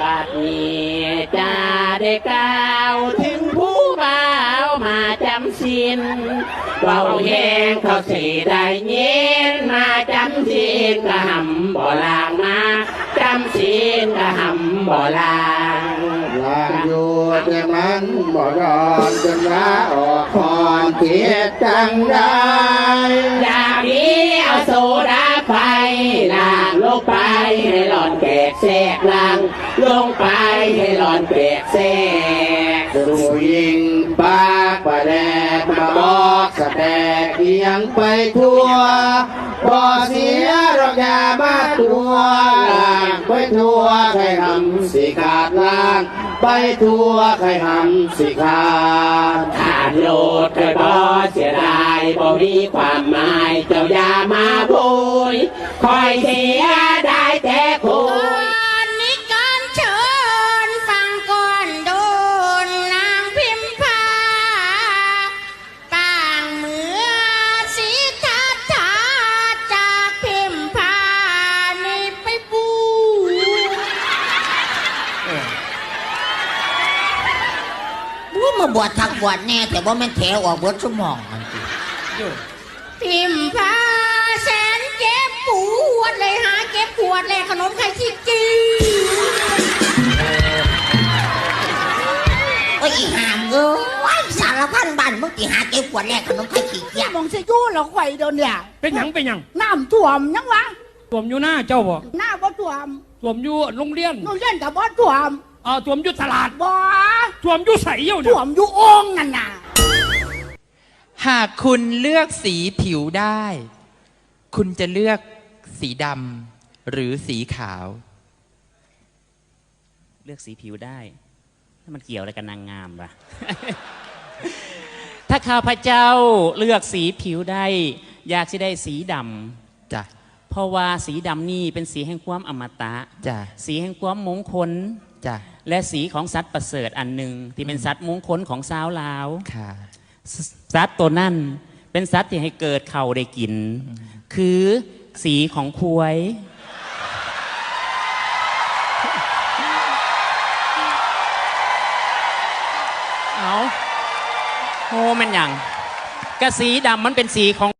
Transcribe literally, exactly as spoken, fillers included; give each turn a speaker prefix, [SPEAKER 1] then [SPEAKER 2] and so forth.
[SPEAKER 1] บัดนี้จะได้กล่าวถึงผู้บ่าวมาจำศีลเบาแห้งเขาสีได้ยินมาจำศีลกะหำบ่ลางมาจำศีลกะหำบ่ลาง
[SPEAKER 2] ลางอยู่แต่มันบ่ยอมจนว่าออกคอนเทียดจังได้
[SPEAKER 1] อย่างนี้เอาโซดาไปล่างลงไปให้หลอนแกกแทรกล่างลงไปให้หลอนแกกแทรก
[SPEAKER 2] ผู้หญิงปากประแดกมาบอกสแตกเอียงไปทั่วบ่เสียดอกยามาตัวล่างไปทั่วใครทำสิขาดล่างไปทั่วใครทำสิขาด
[SPEAKER 1] ขาดโลดเคยบ่เสียดายบ่มีความหมายเจ้าอย่ามาพูดคอยเสียได้แต่คุย
[SPEAKER 3] นิการเชิญฟังก่อนโดนนางพิมพาต่างเมื่อสีทัดทาจากพิมพานี่ไปบูบูมาบวชทักบวชแน่แต่ว่ามันแถวออกบวชสมองมันพิมพาแสนเจ็บปวดเลยหาเก็บปวดเลยขนมไข่ขี้จีโอ้ยอีห่ามเอ้ยสารพันบ้านมึงอีหาเก็บปวดแรกขนมไข่ขี้เกียจ
[SPEAKER 4] มองเสียยู่หรอกไข่โดนเนี่ย
[SPEAKER 5] เป็นหยังเป็นหยัง
[SPEAKER 4] น้ำท่วมยังวะ
[SPEAKER 5] ท่วมอยู่หน้าเจ้าบ่
[SPEAKER 4] หน้าบ่ท่วม
[SPEAKER 5] ท่วมอยู่โรงเรียน
[SPEAKER 4] โรงเรียนกับบ่ท่วม
[SPEAKER 5] อ่าท่วมอยู่ตลาด
[SPEAKER 4] บ่
[SPEAKER 5] ท่วมอยู่ใสเยี่ยว
[SPEAKER 4] ท่วมอยู่องนั่นน่ะ
[SPEAKER 6] หากคุณเลือกสีผิวได้ คุณจะเลือกสีดำหรือสีขาว
[SPEAKER 7] เลือกสีผิวได้ถ้ามันเกี่ยวอะไรกับนางงามปะ ถ้าข้าพเจ้าเลือกสีผิวได้อยากจะได้สีดำ
[SPEAKER 6] จ้ะ
[SPEAKER 7] เพราะว่าสีดำนี่เป็นสีแห่งความอมตะ
[SPEAKER 6] จ้ะ
[SPEAKER 7] สีแห่งความมงคล
[SPEAKER 6] จ้ะ
[SPEAKER 7] และสีของสัตว์ประเสริฐอันหนึ่งที่เป็นสัตว์มงคลของสาวลาว
[SPEAKER 6] ค่ะ
[SPEAKER 7] สัตว์ตัวนั่นเป็นสัตว์ที่ให้เกิดเข่าได้กินคือสีของควายเอาโหมันอย่างกระสีดำมันเป็นสีของ